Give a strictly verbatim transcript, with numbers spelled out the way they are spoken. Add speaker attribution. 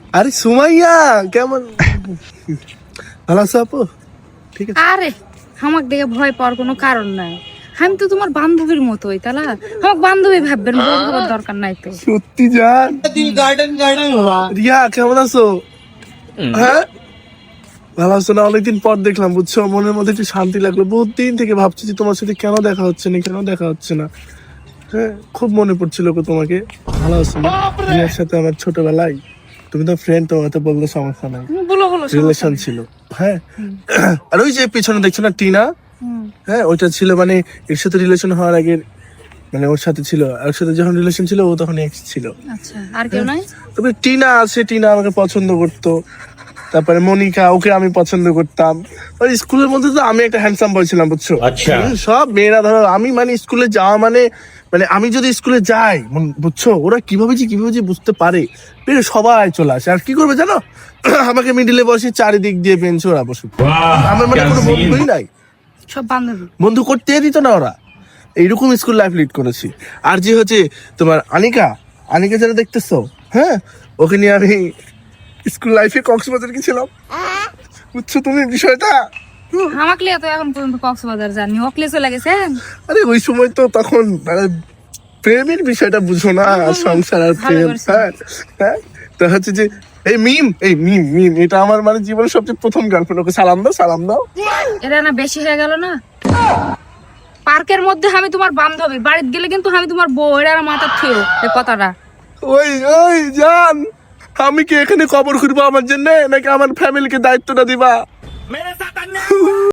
Speaker 1: আরে সুমাইয়া কেমন, ভালো আছো আপু? ঠিক আছে।
Speaker 2: আরে আমাকে দেখে ভয় পাওয়ার কোনো কারণ নাই, আমি তো তোমার বান্ধবীর মতোই, তালা আমাকে বান্ধবী ভাববেন, বড় হওয়ার দরকার নাই তো।
Speaker 1: সত্যি জান গার্ডেন গার্ডেন রিয়া কেমন আছো? হ্যাঁ ভালো আছো না? অনেকদিন পর দেখলাম বুঝছো, মনের মধ্যে একটু শান্তি লাগলো। বহুত দিন থেকে ভাবছি যে তোমার সাথে কেন দেখা হচ্ছে না, কেন দেখা হচ্ছে না। হ্যাঁ খুব মনে পড়ছিল গো তোমাকে। ভালো আছো না? রিয়ার সাথে আমার ছোটবেলায়, তুমি তো ফ্রেন্ড, তোমার তো বললে সমস্যা নাই,
Speaker 2: বলো বলো
Speaker 1: রিলেশন ছিল। হ্যাঁ আর ওই যে পিছনে দেখছো না টিনা, হ্যাঁ ওইটা ছিল মানে এর সাথে রিলেশন হওয়ার আগে, মানে ওর সাথে ছিল, ওর সাথে যখন রিলেশন ছিল ও তখন এক্স ছিল।
Speaker 2: আচ্ছা আর কেউ নাই?
Speaker 1: তবে টিনা আছে, টিনা আমাকে পছন্দ করতো। তারপরে মনিকা, ওকে আমি পছন্দ করতাম। ওই স্কুলের মধ্যে তো আমি একটা হ্যান্ডসাম বয় ছিলাম বুঝছো।
Speaker 3: আচ্ছা।
Speaker 1: হুম, সব মেয়েরা ধরো আমি মানে স্কুলে যাওয়া মানে মানে আমি যদি স্কুলে যাই মন- বুঝছো, ওরা কিভাবে যে কিভাবে যে বুঝতে পারে, বেরে সবাই চলে আসে। আর কি করবে জানো, আমাকে মিডিলে বসে চারিদিক দিয়ে বেঞ্চ ওরা বসে। আমার মানে কোনো বন্ধুই নাই,
Speaker 2: সব বান্ধবী।
Speaker 1: বন্ধু করতে দিত না ওরা। এইরকম স্কুল লাইফ লিড করেছি। আর যে হচ্ছে তোমার আনিকা, আনিকা যারা দেখতেছো, হ্যাঁ ওকে নিয়ে আমি স্কুল লাইফে কক্সবাজার গেছিলাম, বুঝছো তুমি বিষয়টা।
Speaker 2: আমাকে লিয়ে তো এখন পর্যন্ত কক্সবাজার যাননি, ওকলে চলে গেছেন।
Speaker 1: আরে ওই সময় তো তখন মানে প্রেমের বিষয়টা বুঝো না, সংসার আর
Speaker 2: ভালো
Speaker 1: প্রেম।
Speaker 2: করেছেন।
Speaker 1: হ্যাঁ হ্যাঁ তো হচ্ছে যে এই মিম, এই মিম মিম এটা আমার মানে জীবনের সবচেয়ে প্রথম গার্লফ্রেন্ড। ওকে সালাম দাও, সালাম দাও।
Speaker 2: এটা না বেশি হয়ে গেল না? পার্কের মধ্যে আমি তোমার বান্ধবী, বাড়িতে গেলে কিন্তু আমি তোমার বউ, এটা আমার মাথার থিও এই কথাটা।
Speaker 1: ওই ওই জান, আমি কি এখানে কবর খুঁড়বো আমার জন্য, নাকি আমার ফ্যামিলিকে দায়িত্বটা দিবা?